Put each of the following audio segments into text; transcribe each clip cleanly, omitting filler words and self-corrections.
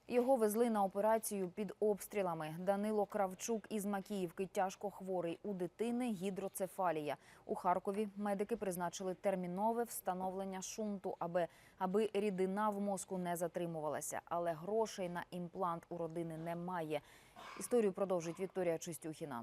Його везли на операцію під обстрілами. Данило Кравчук із Макіївки тяжко хворий. У дитини гідроцефалія. У Харкові медики призначили термінове встановлення шунту, аби рідина в мозку не затримувалася. Але грошей на імплант у родини немає. Історію продовжить Вікторія Чистюхіна.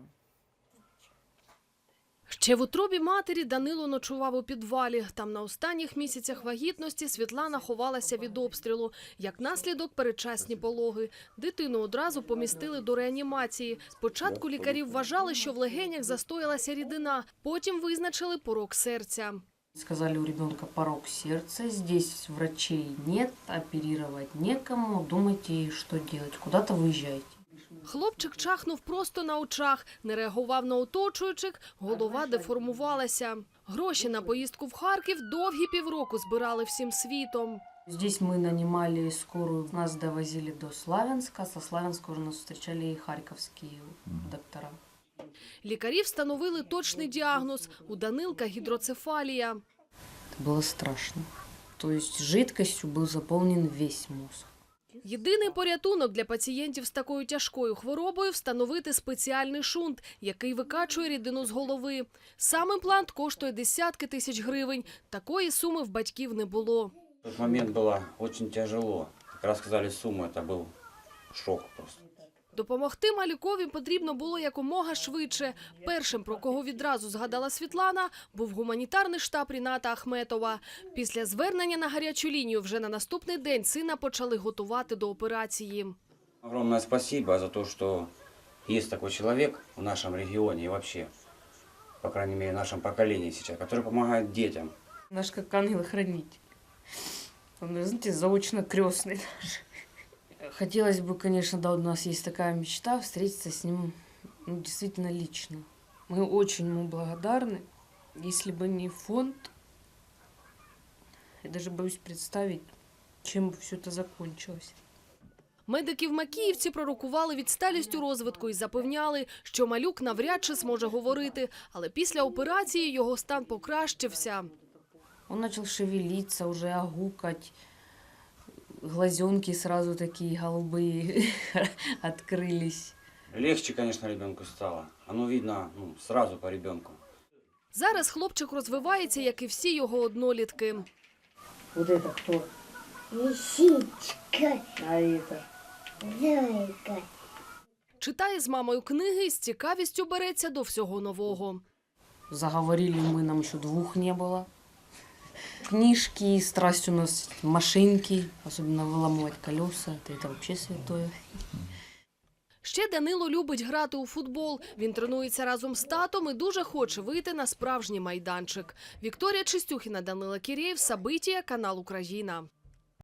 Ще в утробі матері Данило ночував у підвалі. Там на останніх місяцях вагітності Світлана ховалася від обстрілу. Як наслідок – передчасні пологи. Дитину одразу помістили до реанімації. Спочатку лікарі вважали, що в легенях застоялася рідина. Потім визначили порок серця. Сказали, у ребенка порок сердца, здесь врачей нет, оперировать некому, думайте, что делать, куда-то выезжайте. Хлопчик чахнув просто на очах, не реагував на оточуючих, голова деформувалася. Гроші на поїздку в Харків довгі півроку збирали всім світом. Здесь мы нанимали скорую, нас довозили до Славянска, со Славянска уже нас встречали и харьковские доктора. Лікарі встановили точний діагноз – у Данилка гідроцефалія. Это было страшно. То есть жидкостью был заполнен весь мозг. Єдиний порятунок для пацієнтів з такою тяжкою хворобою – встановити спеціальний шунт, який викачує рідину з голови. Сам імплант коштує десятки тисяч гривень. Такої суми в батьків не було. В тот момент было очень тяжело. Как раз сказали сумму, это был шок просто. Допомогти малюкові потрібно було якомога швидше. Першим, про кого відразу згадала Світлана, був гуманітарний штаб Ріната Ахметова. Після звернення на гарячу лінію вже на наступний день сина почали готувати до операції. Огромное спасибо за то, что есть такой человек в нашем регионе и вообще, по крайней мере, в нашем поколении сейчас, который помогает детям. Наш как ангел-хранитель. Он, знаете, заочно крестный даже. Хотелось бы, конечно, да, у нас есть такая мечта встретиться с ним действительно лично. Мы очень ему благодарны. Если бы не фонд, я даже боюсь представить, чем бы все это закончилось. Медики в Макіївці пророкували відсталість у розвитку і запевняли, що малюк навряд чи зможе говорити. Але після операції його стан покращився. Он начал шевелиться, уже огукать. Глазенки сразу такие голубые открылись. Легче, конечно, ребенку стало. Оно видно сразу по ребенку. Зараз хлопчик розвивається, як і всі його однолітки. Вот это кто? Лисичка, А это? зайка. Читає з мамою книги і з цікавістю береться до всього нового. Заговорили мы, нам еще 2 не было. Книжки, страсть у нас машинки, особенно выламывать колеса, это вообще святое. Ще Данило любить грати у футбол. Він тренується разом з татом і дуже хоче вийти на справжній майданчик. Вікторія Чистюхіна, Данила Кірєєв, Сабитія, канал Україна.